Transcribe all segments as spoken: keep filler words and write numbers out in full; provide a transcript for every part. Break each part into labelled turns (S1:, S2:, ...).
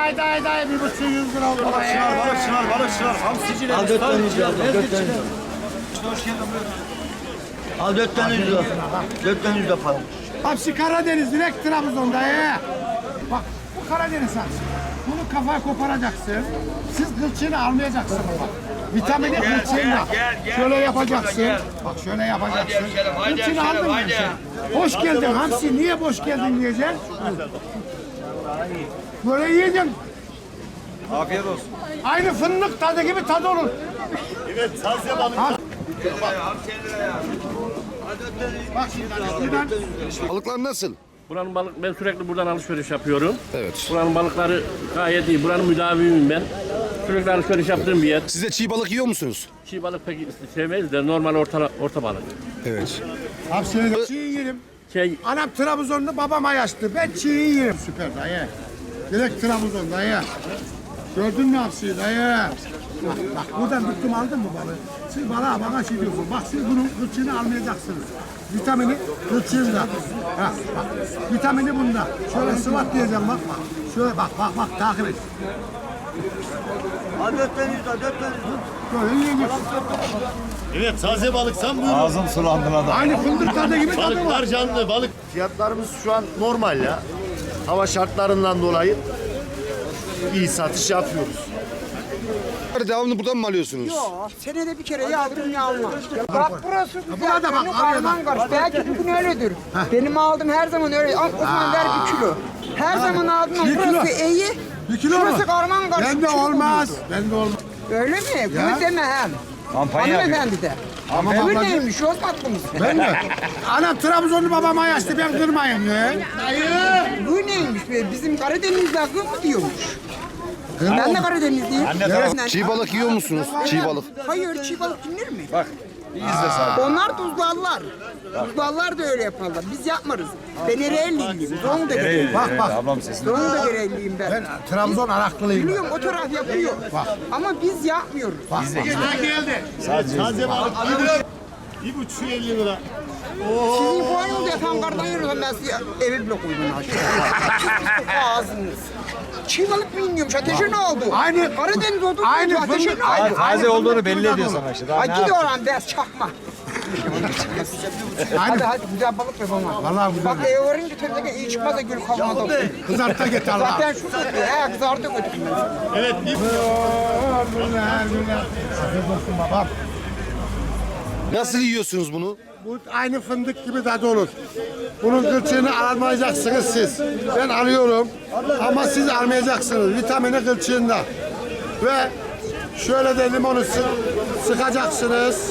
S1: Haydi haydi haydi bir buçuk yüz lira oldu.
S2: Balık çınar, balık çınar, balık çınar. Hamsiciler.
S3: Al dört tane yüz lira. Dört tane yüz lira. Al dört tane yüz lira. Dört tane yüz lira para.
S1: Hamsi Karadeniz direkt Trabzon'da ya. Bak bu Karadeniz hamsi. Bunu kafaya koparacaksın. Siz kılçığını almayacaksınız bak. Vitamini kılçığında. Şöyle yapacaksın. Bak şöyle yapacaksın. Kılçığını aldın mı sen? Hoş geldin hamsi. Niye boş geldin diyeceksin. Böyle yiyeceksin.
S2: Afiyet olsun.
S1: Aynı fındık tadı gibi tadı olur.
S2: Evet, taze balık.
S1: Bak şimdi buradan
S4: Balıklar nasıl?
S5: Buranın balık, ben sürekli buradan alışveriş yapıyorum.
S4: Evet.
S5: Buranın balıkları gayet iyi. Buranın müdavimiyim ben. Sürekli alışveriş yaptığım bir yer.
S4: Siz de çiğ balık yiyor musunuz?
S5: Çiğ balık pek sevmeyiz de normal orta, orta balık.
S4: Evet.
S1: hamsiyi çiğ yerim.
S5: Şey,
S1: Anam Trabzonlu, babam Ayaşlı. Ben çiğ yerim. Süper dayı. Direkt Trabzon dayı. Gördün mü hamsiyi dayı? Bak, bak buradan tuttum aldın mı balığı? Siz balığa bana şey diyorsun. Bak siz bunun kılçığını almayacaksınız. Vitamini kılçığında. Ha, bak. Vitamini bunda. Şöyle sıvat diyeceğim bak bak. Şöyle bak bak bak takip et.
S3: Al dört tane yüz lira. Dört tane yüz lira.
S1: Böyle yiyeceksin.
S2: Evet, taze balık. Sen buyurun.
S4: Ağzım sulandı adam.
S1: Aynı fındık tadı gibi tadı var.
S2: Balıklar canlı, balık. Fiyatlarımız şu an normal ya. Hava şartlarından dolayı iyi satış yapıyoruz.
S4: Devamlı buradan mı alıyorsunuz?
S6: Yok, senede bir kere yağdırım ya almam. Bak burası güzel.
S1: burada bak,
S6: Benim
S1: araya
S6: karman karış. Belki bugün öyledir. Benim aldığım her zaman öyle. Al, o zaman ver bir kilo. Her zaman aldığım
S1: Bir kilo.
S6: burası iyi.
S1: Bir kilo mu?
S6: Şurası karman karış.
S1: Bende
S6: bir kilo
S1: olmaz.
S6: olurdu.
S1: Bende olmaz.
S6: Öyle mi? Bunu deme hem. Hanımefendi de.
S1: Ama
S6: Bu
S1: ablacığım-
S6: neymiş? Olmaz mı?
S1: Ben mi? Anam Trabzonlu, babam Ayaşlı. Ben kırmayayım ya.
S6: Bu neymiş? be? Bizim Karadeniz'de akıl mı diyormuş? Ben de Karadenizliyim.
S4: Çiğ balık yiyor musunuz? Çiğ balık.
S6: Hayır, çiğ balık yenir mi? Bak, onlar tuzlarlar. Tuzlarlar da öyle yaparlar. Biz yapmarız. Ben Ereğli'liyim. Doğum da Ereğli'yim.
S1: Bak bak.
S6: Doğum da Ereğli'yim ben.
S1: Ben Trabzon Araklılıyım.
S6: Biliyorum o taraf yapıyor. Ama biz yapmıyoruz.
S1: Biz de geldi.
S2: Taze balık. Bir buçuk elli lira.
S6: Sizin bu ayında yapan kardan yürüyorum ben size eve bile koydum aşağıya. Ağzınız. Çiğ balık mı iniyormuş? Ateşe ne oldu?
S1: Aynı-
S6: Karadeniz oldu.
S1: aynı
S6: Ateşe ne
S1: fındık-
S6: oldu?
S1: taze olduğunu belli ediyor sana
S4: işte.
S6: Ay gidi oradan biraz çakma. Hadi hadi güzel balık ver bana.
S1: Vallahi güzel.
S6: Bak eve varınca tabii iyi çıkmaz da gül kalmadı.
S1: Kızartta get Allah.
S6: Zaten şu götürüyor. He kızartı götürüyor.
S2: Evet, bir
S1: Güzel güzel. Afiyet olsun babam.
S4: Nasıl yiyorsunuz bunu?
S1: Bu aynı fındık gibi tadı olur. Bunun kılçığını almayacaksınız siz. Ben alıyorum ama siz almayacaksınız. Vitamini kılçığında. Ve şöyle de limonu sı sıkacaksınız.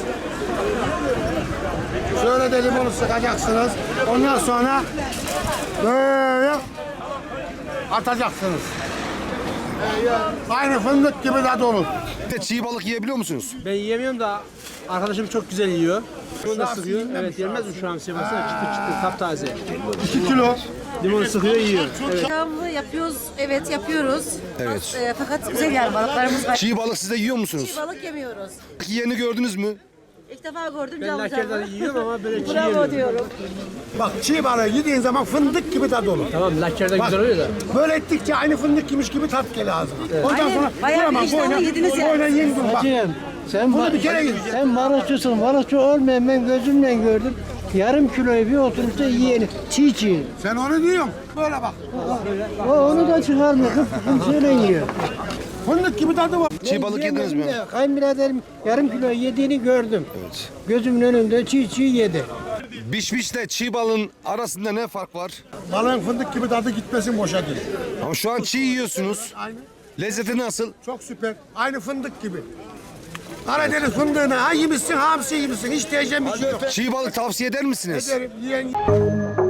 S1: Şöyle de limonu sıkacaksınız. Ondan sonra böyle atacaksınız. Aynı fındık gibi tadı olur.
S4: Bir de çiğ balık yiyebiliyor musunuz?
S7: Ben yiyemiyorum da arkadaşım çok güzel yiyor. Onu da sıkıyor. Evet yenmez mi şu an sevmesine çıtır çıtır taptaze.
S1: iki kilo.
S7: Limonu sıkıyor yiyor. Evet.
S8: Devamlı yapıyoruz. Evet yapıyoruz.
S4: Evet.
S8: E, fakat güzel yani balıklarımız var.
S4: Çiğ balık siz de yiyor musunuz?
S8: Çiğ balık yemiyoruz.
S4: Yerini gördünüz mü?
S8: İlk defa gördüm.
S7: Ben
S8: canlı
S7: lakerden
S8: canlı.
S7: yiyorum ama böyle çiğ
S8: Bravo
S7: yemiyorum.
S8: diyorum.
S1: Bak çiğ balığı yediğin zaman fındık gibi tadı olur.
S7: Tamam lakerden
S1: Bak,
S7: güzel oluyor da.
S1: böyle ettikçe aynı fındık yemiş gibi tat geliyor ağzına. Ondan
S8: Aynen,
S1: sonra
S8: bayağı bir
S1: koyma,
S8: iştahlı
S1: koyna,
S8: yediniz yani.
S1: koyna yiyin dur bak.
S9: Hacım, sen,
S1: Bunu
S9: ba-
S1: bir kere yiyin.
S9: sen balıkçısın. Balıkçı olmayan ben gözümle gördüm. Yarım kiloyu bir oturuşta yiyeni. Çiğ çiğ.
S1: Sen onu diyorsun. Böyle bak.
S9: O onu da çıkarmıyor. Kimseyle yiyor.
S1: Fındık gibi tadı var.
S4: Çiğ balık yediniz mi?
S9: De, Kayınbiraderim yarım kilo yediğini gördüm.
S4: Evet.
S9: Gözümün önünde çiğ çiğ yedi.
S4: Bişbişle çiğ balığın arasında ne fark var?
S1: Balığın fındık gibi tadı gitmesin boşa değil.
S4: Ama şu an çiğ yiyorsunuz.
S1: Aynı.
S4: Lezzeti nasıl?
S1: Çok süper. Aynı fındık gibi. Karadeniz fındığını ha yemişsin, hamsi yemişsin. Hiç diyeceğim bir şey yok.
S4: Çiğ balık tavsiye eder misiniz?
S1: Ederim, yiyen...